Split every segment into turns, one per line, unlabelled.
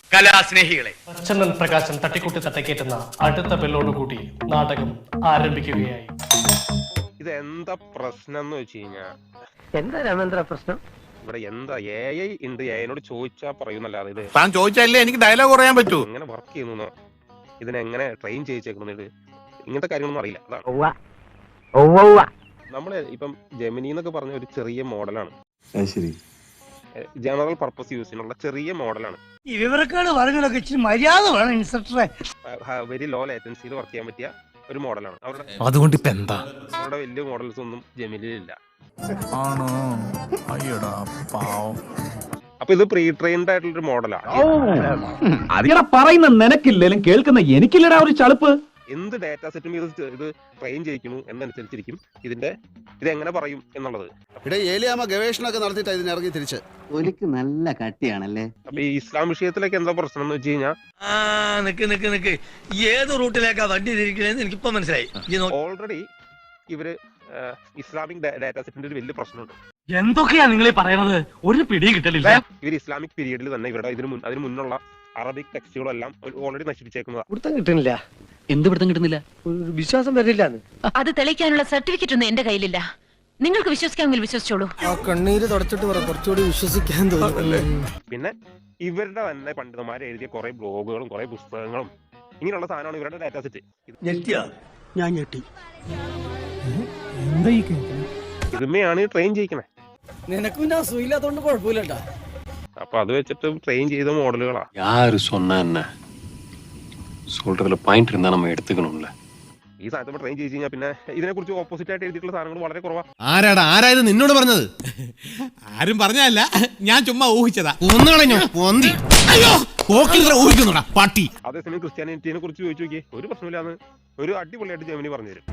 കലാസ്നേഹികളെ,
പ്രച്ഛന്നൻ പ്രകാശൻ തട്ടിക്കൂട്ടി തട്ടക്കേറ്റുന്ന അടുത്ത ബെല്ലോടുകൂടി നാടകം ആരംഭിക്കുകയായി.
ഇത് എന്താ പ്രശ്നം എന്ന് വെച്ച് കഴിഞ്ഞാ,
എന്താ രാമേന്ദ്ര പ്രശ്നം?
ഇവിടെ എന്താ AI ഉണ്ട്, AIനോട് ചോദിച്ചാ പറയുന്നല്ലാതെ ഇത്
താൻ ചോദിച്ചാലേ എനിക്ക് ഡയലോഗ് പറയാൻ പറ്റൂ.
എങ്ങനെ വർക്ക് ചെയ്യുന്നു, ഇതിനെങ്ങനെ ട്രെയിൻ ചെയ്യിച്ചേക്കുന്നത്, ഇങ്ങനത്തെ കാര്യങ്ങളൊന്നും അറിയില്ല. അതാണ് നമ്മള് ഇപ്പം ജെമിനി എന്നൊക്കെ പറഞ്ഞ ഒരു ചെറിയ മോഡലാണ്, ജനറൽ പർപ്പസ് യൂസിനുള്ള ചെറിയ മോഡലാണ്.
ഈ വിവരക്കാട് പറഞ്ഞതൊക്കെ ഇച്ചിരി മര്യാദ വേണം ഇൻസ്ട്രക്ടറെ.
വെരി ലോ ലേറ്റൻസിയിൽ വർക്ക് ചെയ്യാൻ പറ്റിയ ഒരു മോഡലാണ്.
അതുകൊണ്ട് ഇപ്പൊ എന്താ
അവരുടെ വലിയ മോഡൽസ് ഒന്നും ജെമിനിയിലില്ല.
ആണോ? അയ്യടാ പാവം.
അപ്പൊ ഇത് പ്രീ ട്രെയിൻഡ് ആയിട്ടുള്ള ഒരു മോഡലാണ്.
അതിനെ പറയുന്ന നിനക്കില്ലേലും കേൾക്കുന്ന എനിക്കില്ലടാ ഒരു ചളുപ്പ്.
എന്ത് ഡാറ്റാ സെറ്റും ഇത് ട്രെയിൻ ചെയ്യിക്കുന്നു എന്നനുസരിച്ചിരിക്കും ഇത് എങ്ങനെ പറയും എന്നുള്ളത്.
ഇവിടെ ഏലിയാമ്മ ഗവേഷണമൊക്കെ നടത്തിയിട്ടാ ഇതിനിറങ്ങി തിരിച്ച്.
ഒലിക്ക് നല്ല കട്ടിയാണല്ലേ.
അപ്പൊ ഈ ഇസ്ലാം വിഷയത്തിലേക്ക് എന്താ പ്രശ്നം എന്ന് വെച്ച് കഴിഞ്ഞാൽ,
നിക്ക് ഏത് റൂട്ടിലേക്കാ വണ്ടി തിരിക്കണേന്ന് എനിക്കിപ്പോ മനസ്സിലായി.
ഓൾറെഡി ഇവര് ഇസ്ലാമിക് ഡാറ്റാ സെറ്റിന്റെ ഒരു വലിയ പ്രശ്നമുണ്ട്.
എന്തൊക്കെയാ നിങ്ങൾ പറയണത്? ഒരു പിടിയും കിട്ടലില്ല.
ഇവർ ഇസ്ലാമിക് പീരീഡിൽ തന്നെ ഇവരുടെ അതിന് മുന്നുള്ള അറബിക് ടെക്സ്റ്റുകളെല്ലാം ഓൾറെഡി നശിപ്പിച്ചേക്കുന്നതാണ്.
പിടുത്തം കിട്ടുന്നില്ല.
എന്ത് പിടുത്തം കിട്ടുന്നില്ല?
ഒരു വിശ്വാസം വരില്ല.
അത് തെളിയിക്കാനുള്ള സർട്ടിഫിക്കറ്റ് ഒന്നും എന്റെ കയ്യിലില്ല. നിങ്ങൾക്ക് വിശ്വസിക്കാമെങ്കിൽ വിശ്വസിച്ചോളൂ.
ആ കണ്ണീര് തുടച്ചിട്ട് കുറച്ചുകൂടി വിശ്വസിക്കാൻ തോന്നുന്നല്ലേ.
പിന്നെ ഇവരുടെ തന്നെ പണ്ഡിതന്മാരെ എഴുതിയ കുറെ ബ്ലോഗുകളും കുറെ പുസ്തകങ്ങളും ഇങ്ങനെയുള്ള സാധനമാണ് ഇവരുടെ ഡാറ്റാ സെറ്റ്.
ഞാൻ ഞെട്ടി.
ഇതുമയാണ് ട്രെയിൻ ചെയ്യിക്കണേ.
നിനക്ക് പിന്നെ അസുഖമില്ലാത്തോണ്ട് കുഴപ്പമില്ലട്ടാ.
അപ്പൊ അത് വെച്ചിട്ട് ട്രെയിൻ ചെയ്ത മോഡലുകളാ.
யாரு சொன்னா என்ன சொல்றதுல பாயிண்ட் இருந்தா நம்ம எடுத்துக்கணும்ல.
ഈ സാധനത്തിൽ ട്രെയിൻ ചെയ്ത് കഴിഞ്ഞാൽ പിന്നെ ഇതിനെ കുറിച്ച് ഓപ്പോസിറ്റ് ആയിട്ട് എഴുതിയിട്ടുള്ള സാധനങ്ങൾ വളരെ കുറവാ.
ആരായത് നിന്നോട് പറഞ്ഞത്? ആരും പറഞ്ഞല്ല, ഞാൻ ചുമ്മാ ഊഹിച്ചതാ. ഒന്നുകളഞ്ഞോ പൊന്തി. അയ്യോ ഊഹിക്കുന്നുടാ പട്ടി.
അതേസമയം ക്രിസ്ത്യാനിറ്റിനെ കുറിച്ച് ചോദിച്ചു നോക്കിയേ, ഒരു പ്രശ്നമില്ലാന്ന് ഒരു അടിപൊളിയായിട്ട് ജെമിനി പറഞ്ഞു തരും.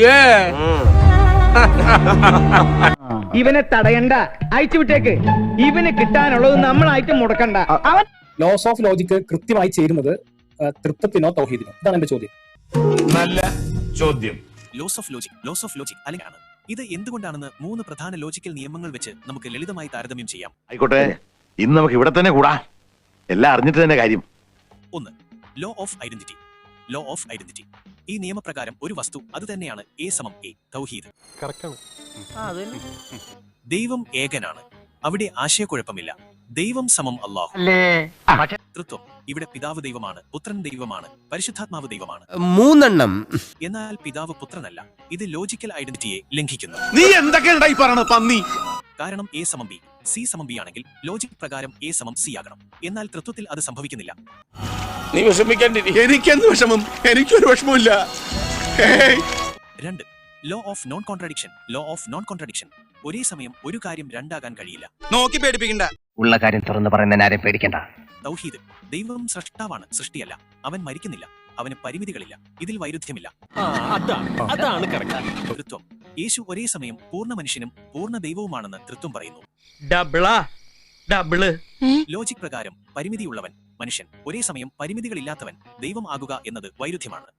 ഇവനെ തടയണ്ട, അയച്ചു വിട്ടേക്ക്. ഇവന് കിട്ടാനുള്ളത് നമ്മളായിട്ട് മുടക്കണ്ട. അവൻ
ലോസ് ഓഫ് ലോജിക്ക് കൃത്യമായി ചേരുന്നത് തൃപ്തത്തിനോ തൗഹീദിനോ? ഇതാണ് എന്റെ ചോദ്യം.
നല്ല ചോദ്യം.
ലോസ് ഓഫ് ലോജിക് അല്ലെങ്കിൽ ഇത് എന്തുകൊണ്ടാണെന്ന് 3 പ്രധാന ലോജിക്കൽ നിയമങ്ങൾ വെച്ച് നമുക്ക് ലളിതമായി താരതമ്യം ചെയ്യാം.
ആയിക്കോട്ടെ, ഇന്ന് നമുക്ക് ഇവിടെ തന്നെ കൂടാ. എല്ലാം അറിഞ്ഞിട്ട് തന്നെ കാര്യം.
1. Law of identity. ഈ നിയമപ്രകാരം ഒരു വസ്തു അത് തന്നെയാണ് A = A, തൗഹീദ്. ദൈവം ഏകനാണ്, അവിടെ ആശയക്കുഴപ്പമില്ല. ദൈവം സമം അല്ലാഹു. തൃത്വം, ഇവിടെ പിതാവ് ദൈവമാണ്, പുത്രൻ ദൈവമാണ്, പരിശുദ്ധാത്മാവ് ദൈവമാണ്.
3
എന്നാൽ പിതാവ് പുത്രനല്ല. ഇത് ലോജിക്കൽ ഐഡന്റിറ്റിയെ ലംഘിക്കുന്നു.
നീ എന്തൊക്കെയായി പറയണ പന്നി?
കാരണം A = B, C = B ആണെങ്കിൽ ലോജിക് പ്രകാരം A = C ആകണം. എന്നാൽ തൃത്വത്തിൽ അത് സംഭവിക്കുന്നില്ല.
നീ വിഷമിക്കാണ്ടിരി. എനിക്കെന്ത് വിഷമം? എനിക്കൊരു വിഷമമില്ല.
2. Law of non contradiction. ഒരേ സമയം ഒരു കാര്യം രണ്ടാകാൻ കഴിയില്ല.
നോക്കി പേടിപ്പിക്കണ്ട.
ഉള്ള കാര്യം തുറന്നു പറയുന്ന ആരെയും പേടിക്കണ്ട.
തൗഹീദ്, ദൈവം സൃഷ്ടാവാണ്, സൃഷ്ടിയല്ല. അവൻ മരിക്കുന്നില്ല, അവന് പരിമിതികളില്ല. ഇതിൽ വൈരുദ്ധ്യമില്ല. തൃത്വം, യേശു ഒരേ സമയം പൂർണ്ണ മനുഷ്യനും പൂർണ്ണ ദൈവവുമാണെന്ന് തൃത്വം പറയുന്നു. ലോജിക് പ്രകാരം പരിമിതിയുള്ളവൻ മനുഷ്യൻ, ഒരേ സമയം പരിമിതികളില്ലാത്തവൻ ദൈവം ആകുക എന്നത് വൈരുദ്ധ്യമാണ്.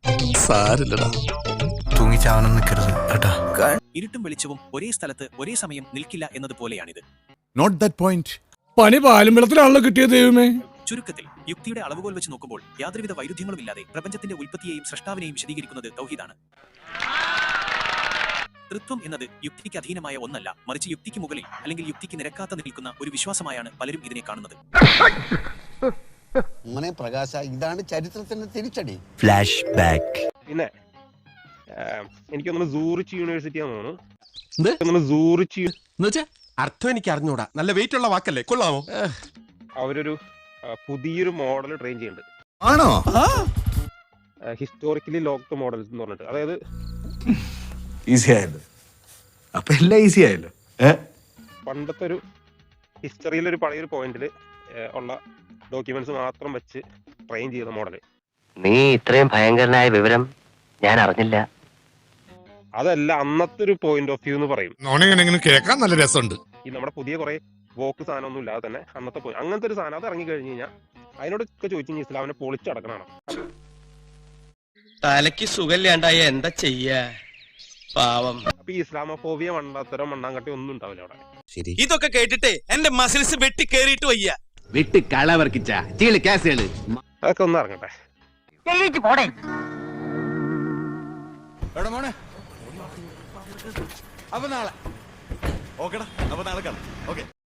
ഇരുട്ടും വെളിച്ചവും ഒരേ സ്ഥലത്ത് ഒരേ സമയം നിൽക്കില്ല എന്നതുപോലെയാണിത്.
Not that point. പണി പാലും വെള്ളത്തിലാണല്ലോ കിട്ടിയത് ദൈവമേ.
ചുരുക്കത്തിൽ യുക്തിയുടെ അളവുകോൽ വെച്ച് നോക്കുമ്പോൾ യാതൊരുവിധ വൈരുദ്ധ്യങ്ങളുമില്ലാതെ പ്രപഞ്ചത്തിന്റെ ഉൽപ്പത്തിയെയും സൃഷ്ടാവിനെയും വിശദീകരിക്കുന്നത് തൗഹീദാണ്. തൃത്വം എന്നത് യുക്തിക്ക് അധീനമായ ഒന്നല്ല, മറിച്ച് യുക്തിക്ക് മുകളിൽ അല്ലെങ്കിൽ യുക്തിക്ക് നിരക്കാത്ത നിൽക്കുന്ന ഒരു വിശ്വാസമായാണ് പലരും ഇതിനെ കാണുന്നത്.
പ്രകാശ, ഇതാണ് ചരിത്രത്തിന്റെ തിരിച്ചടി.
Flash back.
പിന്നെ എനിക്കൊന്ന് സൂറിച്ച് യൂണിവേഴ്സിറ്റി ആണെന്ന് തോന്നുന്നു. സൂറിച്ച്
അർത്ഥം എനിക്ക് അറിഞ്ഞൂടാ. നല്ല വെയിറ്റ് ഉള്ള വാക്കല്ലേ, കൊള്ളാമോ?
അവരൊരു പുതിയൊരു മോഡൽ ട്രെയിൻ ചെയ്യുന്നുണ്ട്.
ആണോ?
ഹിസ്റ്റോറിക്കലി ലോക്ക്ഡ് മോഡൽസ് എന്ന് പറഞ്ഞിട്ട്, അതായത്
ഈസി ആയല്ലോ. അപ്പൊ എല്ലാം ഈസി ആയല്ലോ.
പണ്ടത്തെ ഒരു ഹിസ്റ്ററിയിലൊരു പഴയൊരു പോയിന്റിൽ ഉള്ള ഡോക്യുമെന്റ്സ് മാത്രം വെച്ച് ട്രെയിൻ ചെയ്ത മോഡല്.
നീ ഇത്രയും ഭയങ്കരനായ വിവരം ഞാൻ അറിഞ്ഞില്ല.
അതല്ല അന്നത്തെ ഒരു പോയിന്റ് ഓഫ് വ്യൂ എന്ന് പറയും.
കേൾക്കാൻ നല്ല രസമുണ്ട്.
ഈ നമ്മുടെ പുതിയ കുറെ വോക്ക് സാധനമൊന്നും ഇല്ലാതെ തന്നെ അന്നത്തെ അങ്ങനത്തെ ഒരു സാധനം അത് ഇറങ്ങി കഴിഞ്ഞ് കഴിഞ്ഞാൽ അതിനോടൊക്കെ ചോദിച്ചു കഴിഞ്ഞാൽ ഇസ്ലാമിനെ പൊളിച്ചടക്കണമാണ്.
തലക്ക് സുഖമില്ലാണ്ടായ എന്താ ചെയ്യാ പാവം.
അപ്പൊ ഈ ഇസ്ലാമോഫോബിയ മണ്ണാത്തരം മണ്ണാങ്കട്ടി ഒന്നും ഉണ്ടാവില്ല അവിടെ.
ഇതൊക്കെ കേട്ടിട്ട് എന്റെ മസിൽസ് വെട്ടി കേറിയിട്ട് വയ്യ.
വിട്ട് കളവർക്കിച്ച ചീളി കേസുകള്
അതൊക്കെ ഒന്ന് ഇറങ്ങട്ടെ.
മോനെ അപ്പൊ നാളെ ഓക്കെടാ, അപ്പൊ നാളെ കാണാം. ഓക്കെ.